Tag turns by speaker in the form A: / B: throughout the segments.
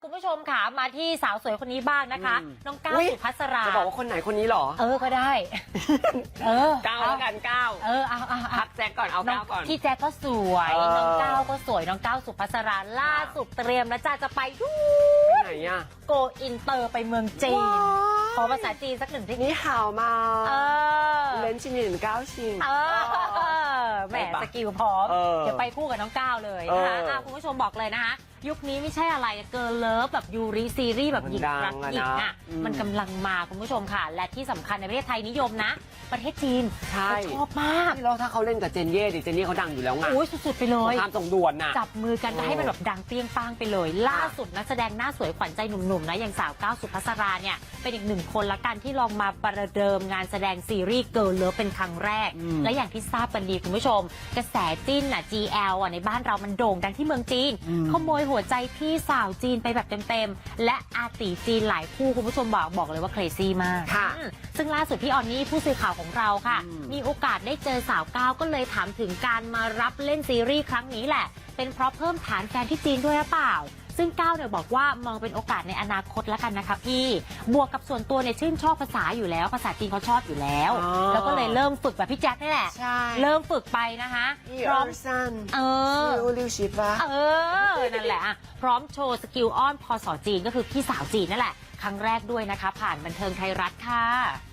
A: คุณผู้ชมค่ะมาที่สาวสวยคนนี้บ้างนะคะน้องก้าวสุภัสรา
B: จะบอกว่าคนไหนคนนี้หรอ
A: ก็ได้
B: ก้าวแล้วกันก้าวพักแจ็คก่อนเอาก้าวก่อน
A: พี่แจ็คก็สวยน้องก้าวก็สวยน้องก้าวสุภัสราล่าสุดเตรียมแล้วจะไป
B: ไหนอะ
A: โกอินเตอร์ไปเมืองจีนขอภาษาจีนสักหนึ่งที
B: นี่ข่าวมาเล่นชินก้าวชิง
A: แหมสกิลพร้อมเดี๋ยวไปคู่กับน้องก้าวเลยนะคะคุณผู้ชมบอกเลยนะคะยุคนี้ไม่ใช่อะไรเกิร์ลเลิฟแบบยูริซีรีส์แบบหญิงรักหญิงอ่ะมันกำลังมาคุณผู้ชมค่ะและที่สำคัญในประเทศไทยนิยมนะประเทศจีนชอบมาก
B: แล้วถ้าเขาเล่นกับเจนเย่เจนเย่เขาดังอยู่แล้วไง
A: โอ้ยสุดๆไปเลย
B: ความส่งด่วนน่ะ
A: จับมือกันให้มันแบบดังเปรี้ยงป้างไปเลยล่าสุดนักแสดงหน้าสวยขวัญใจหนุ่มๆนะอย่างสาวก้าวสุภัสราเนี่ยเป็นอีกหนึ่งคนละกันที่ลองมาประเดิมงานแสดงซีรีส์เกิร์ลเลิฟเป็นครั้งแรกและอย่างที่ทราบกันดีคุณผู้ชมกระแสจิ้นGL ในบ้านเรามันโด่งดังที่เมืองจีนขโมยหัวใจพี่สาวจีนไปแบบเต็มๆและอาตีจีนหลายคู่คุณผู้ชมบอกเลยว่าเครซี่มากซึ่งล่าสุดพี่ออนนี่ผู้สื่อข่าวของเราค่ะมีโอกาสได้เจอสาวก้าวก็เลยถามถึงการมารับเล่นซีรีส์ครั้งนี้แหละเป็นเพราะเพิ่มฐานแฟนที่จีนด้วยหรือเปล่าซึ่งก้าวเนี่ยบอกว่ามองเป็นโอกาสในอนาคตแล้วกันนะคะพี่บวกกับส่วนตัวเนี่ยชื่นชอบภาษาอยู่แล้วภาษาจีนเขาชอบอยู่แล้วแล้วก็เลยเริ่มฝึกแบบพี่แจ็คนี่แหละเริ่มฝึกไปนะคะ
B: พร้อม
A: นั่นแหละพร้อมโชว์สกิลอ้อนภาษาจีนก็คือพี่สาวจีนนั่นแหละครั้งแรกด้วยนะคะผ่านบันเทิงไทยรัฐค่ะ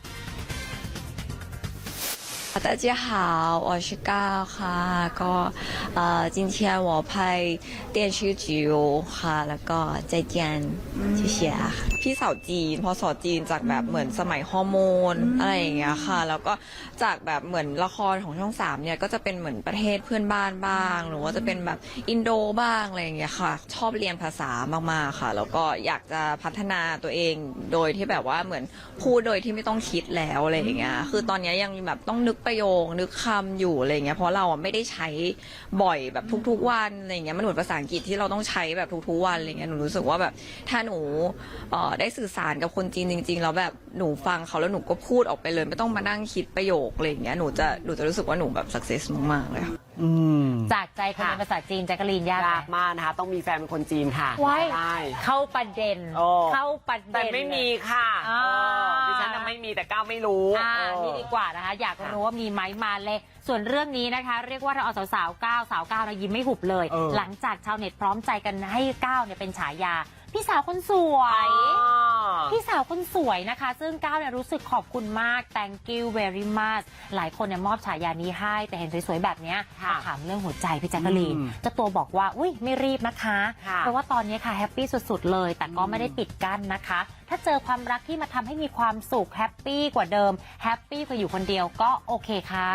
C: 大家好，我是高ค่ะก็今天我拍电视剧ค่ะแล้วก็再见谢谢พี่สาวจีนพอสอจีนจากแบบเหมือนสมัยฮอร์โมนอะไรอย่างเงี้ยค่ะแล้วก็จากแบบเหมือนละครของช่อง3เนี่ยก็จะเป็นเหมือนประเทศเพื่อนบ้านบ้างหรือว่าจะเป็นแบบอินโดบ้างอะไรอย่างเงี้ยค่ะชอบเรียนภาษามากๆค่ะแล้วก็อยากจะพัฒนาตัวเองโดยที่แบบว่าเหมือนพูดโดยที่ไม่ต้องคิดแล้วอะไรอย่างเงี้ยคือตอนนี้ยังแบบต้องนึกประโยคนึกคำอยู่อะไรเงี้ยเพราะเราไม่ได้ใช้บ่อยแบบทุกๆวันอะไรเงี้ยมันเหมือนภาษาอังกฤษที่เราต้องใช้แบบทุกๆวันอะไรเงี้ยหนูรู้สึกว่าแบบถ้าหนูได้สื่อสารกับคนจีนจริงๆแล้วแบบหนูฟังเขาแล้วหนูก็พูดออกไปเลยไม่ต้องมานั่งคิดประโยคอะไรเงี้ยหนูจะรู้สึกว่าหนูแบบสักเซสมากๆเลยค่ะ
A: จากใจคนในภาษาจีนแจ็คกะลีนยาก
B: มากนะคะต้องมีแฟนเป็นคนจีนค่ะ
A: ได้เข้าประเด็น
B: แต่ไม่มีค่ะดิฉันไม่มีแต่ก้าวไม่รู้
A: นี่ดีกว่านะคะอยากรู้ว่ามีไหมมาเลยส่วนเรื่องนี้นะคะเรียกว่าเราเอาสาวก้าวนะยิ้มไม่หุบเลยหลังจากชาวเน็ตพร้อมใจกันให้ก้าวเนี่ยเป็นฉายาพี่สาวคนสวยพี่สาวคนสวยนะคะซึ่งก้าวเนี่ยรู้สึกขอบคุณมาก thank you very much หลายคนเนี่ยมอบฉายานี้ให้แต่เห็นสวยๆแบบนี้ถามเรื่องหัวใจพี่แจ๊กกะลีนเจ้าตัวบอกว่าอุ้ยไม่รีบนะคะเพราะว่าตอนนี้ค่ะแฮปปี้สุดๆเลยแต่ก็ไม่ได้ปิดกั้นนะคะถ้าเจอความรักที่มาทำให้มีความสุขแฮปปี้กว่าเดิมแฮปปี้กว่าอยู่คนเดียวก็โอเคค่ะ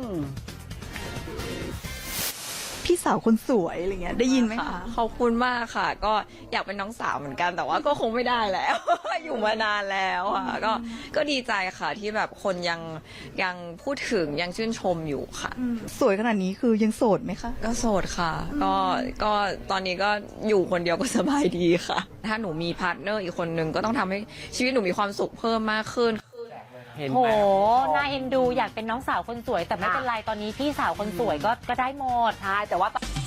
D: พี่สาวคนสวยอะไรเงี้ยได้ยินไหมคะ
C: ขอบคุณมากค่ะก็อยากเป็นน้องสาวเหมือนกันแต่ว่าก็คงไม่ได้แล้ว อยู่มานานแล้วค่ะก็ดีใจค่ะที่แบบคนยังพูดถึงยังชื่นชมอยู่ค่ะ
D: สวยขนาดนี้คือยังโสดไหมคะ
C: ก็โสดค่ะก็ตอนนี้ก็อยู่คนเดียวก็สบายดีค่ะถ้าหนูมีพาร์ทเนอร์อีกคนนึงก็ต้องทำให้ชีวิตหนูมีความสุขเพิ่มมากขึ้น
A: โหน่าเอ็นดูอยากเป็นน้องสาวคนสวยแต่ไม่เป็นไรตอนนี้พี่สาวคนสวยก็ได้หมด
B: ใช่แต่ว่า